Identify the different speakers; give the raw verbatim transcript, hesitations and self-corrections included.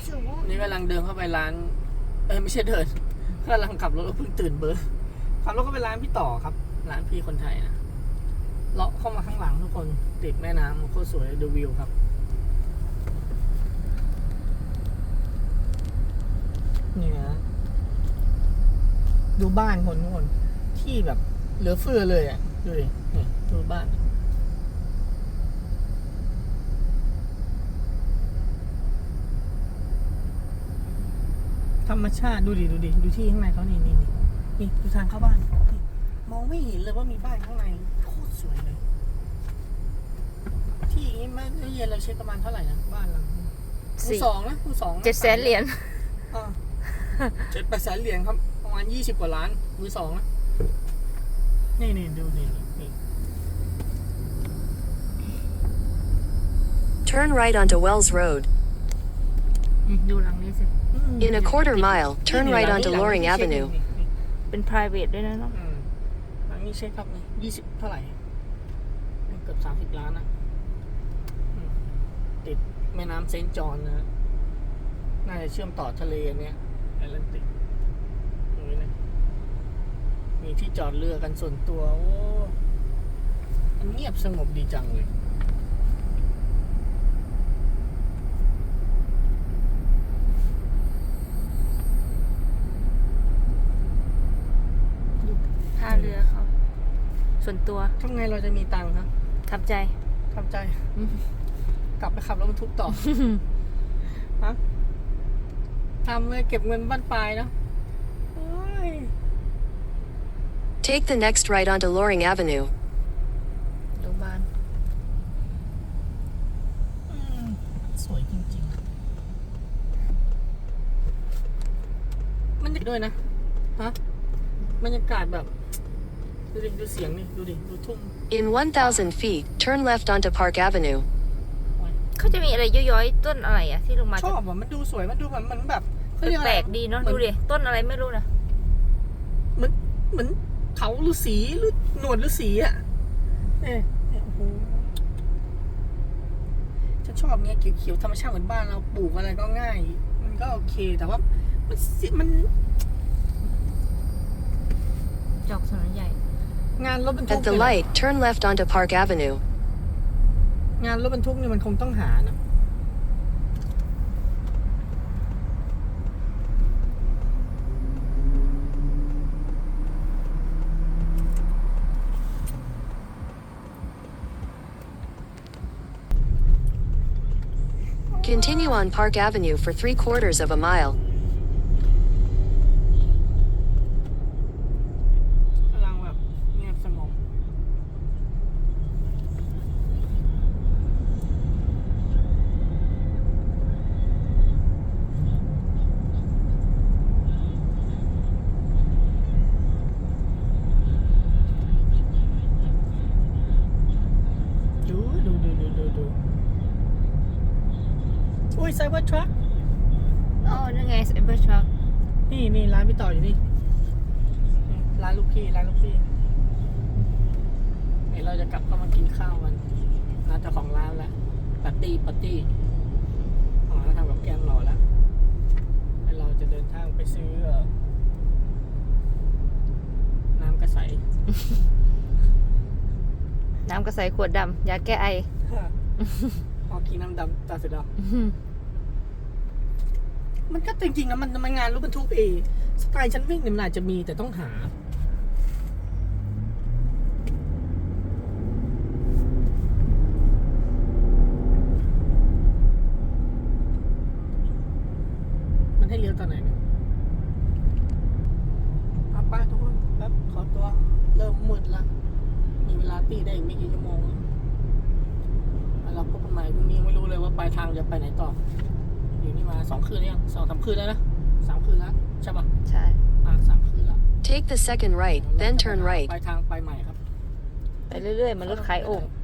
Speaker 1: สูง
Speaker 2: นี่กำลังเดินเข้าไปร้านเอ้ยไม่ใช่เดินกำลังขับรถเพิ่งตื่นเบอร์ขับรถเข้าไปร้านพี่ต่อครับร้านพี่คนไทยนะเลาะเข้ามาข้างหลังทุกคนติดแม่น้ำโคตรสวยดูวิวครับนี่นะดูบ้านคนทุกคนที่แบบเหลือเฟือเลยอ่ะดูดินี่ดูบ้านธรรมชาติดูดิดูดิดูที่ข้างในเขานี่นี่นี่นี่ดูทางเข้าบ้านนี่มองไม่เห็นเลยว่ามีบ้านข้างในโคตรสวยเลยที่นี้เมื่อเย็นเราเช็คประมาณเท่าไหร่นะบ้านเราคูสองนะคูสอง
Speaker 3: เจ็ดแสนเหรียญ
Speaker 2: อ่าเจ็ดแปดแสนเหรียญครับประมาณยี่สิบกว่าล้านมือสองนะนี่นี่ดูนี่นี่
Speaker 4: Turn right onto Wells Road.
Speaker 3: ดูหลังนี้สิ
Speaker 4: In a quarter mile, turn right onto Loring Avenue.
Speaker 3: เป็น private ด้วยนะเนาะ
Speaker 2: อืมหลังนี้เช็คครับนี่ยี่สิบเท่าไหร่เกือบสามสิบล้านนะอืมติดแม่น้ำเซนต์จอห์นนะน่าจะเชื่อมต่อทะเลเนี่ยแอตแลนติกตรงนี้นะมีที่จอดเรือกันส่วนตัวโอ้มันเงียบสงบดีจังเลย
Speaker 3: ท่าเรือเขาส่วนตัว
Speaker 2: ทำไงเราจะมีตังค์ครับ
Speaker 3: ทับใจ
Speaker 2: ทำใจ กลับไปขับรถบรรทุกต่อ ฮะทำเลยเก็บเงินบ้านปลายเนาะโอ้ย
Speaker 4: Take the next right onto Loring Avenue.
Speaker 3: ดูบ้าน
Speaker 2: อืมสวยจริงๆมันจะด้วยนะฮะบรรยากาศแบบดูดิดูเสียงนี่ดูดิดูทุ่ง
Speaker 4: In one thousand feet, turn left onto Park Avenue.
Speaker 3: เขาจะมีอะไรย้อยๆต้นอะไรอะที่ลงมา
Speaker 2: ชอบอ่ะมันดูสวยมันดูแบบมันแบบเขาเรียกอะไร
Speaker 3: แปลกดีเนาะดูดิต้นอะไรไม่รู้นะ
Speaker 2: เหมือนเหมือนเขาฤาษีหรือหนวดฤาษีอ่ะเอ๊ะโอ้โหฉันชอบเนี้ยเขียวๆธรรมชาติเหมือนบ้านเราปลูกอะไรก็ง่าย มันก็โอเคแต่ว่ามันมัน
Speaker 3: จอกถนนใหญ่
Speaker 2: งานรถบรรทุก
Speaker 4: At the light, turn left onto Park Avenue.
Speaker 2: งานรถบรรทุกนี่มันคงต้องหานะ
Speaker 4: Continue on Park Avenue for three quarters of a mile.
Speaker 2: กำลังแบบเงียบสงบดูดูดูดูดูดูอุ้ยไซเบอร์ทรัค
Speaker 3: อ๋อนั่นไงไซเบอร์ทรัค
Speaker 2: นี่นี่ร้านพี่ต่ออยู่นี่นี่ร้านลูกพี่ร้านลูกพี่เดี๋ยวเราจะกลับเข้ามากินข้าวกันร้านเจ้าของร้านแล้วปาร์ตี้ปาร์ตี้ของร้านทำกับแกมรอแล้วแล้วเราจะเดินทางไปซื้อเอ่อน้ำกระใส
Speaker 3: น้ำกระใสขวดดำยาแก้ไอ
Speaker 2: พอกินน้ำดำตาเสร็จแล้วมันก็จริงๆนะมันมันงานรถบรรทุกเองสไตล์ฉันวิ่งเนี่ยมันอาจจะมีแต่ต้องหา มันให้เลี้ยวตอนไหนเนี่ยเอาไปทุกคนแป๊บขอตัวเริ่มมืดละมีเวลาตีได้อีกไม่กี่ชั่วโมงแล้วเราพบกันใหม่พรุ่งนี้ไม่รู้เลยว่าปลายทางจะไปไหนต่ออยู่นี่มาสองคืนยังสองสามคืนแล้วนะสามคืนแล้วใช่ปะ
Speaker 3: ใช่
Speaker 2: อ่าสามคืนแล้ว
Speaker 4: Take the second right, then turn right.
Speaker 2: ปลายทางไปใหม่ครับ
Speaker 3: ไปเรื่อยๆ มันรถขายโอ่ง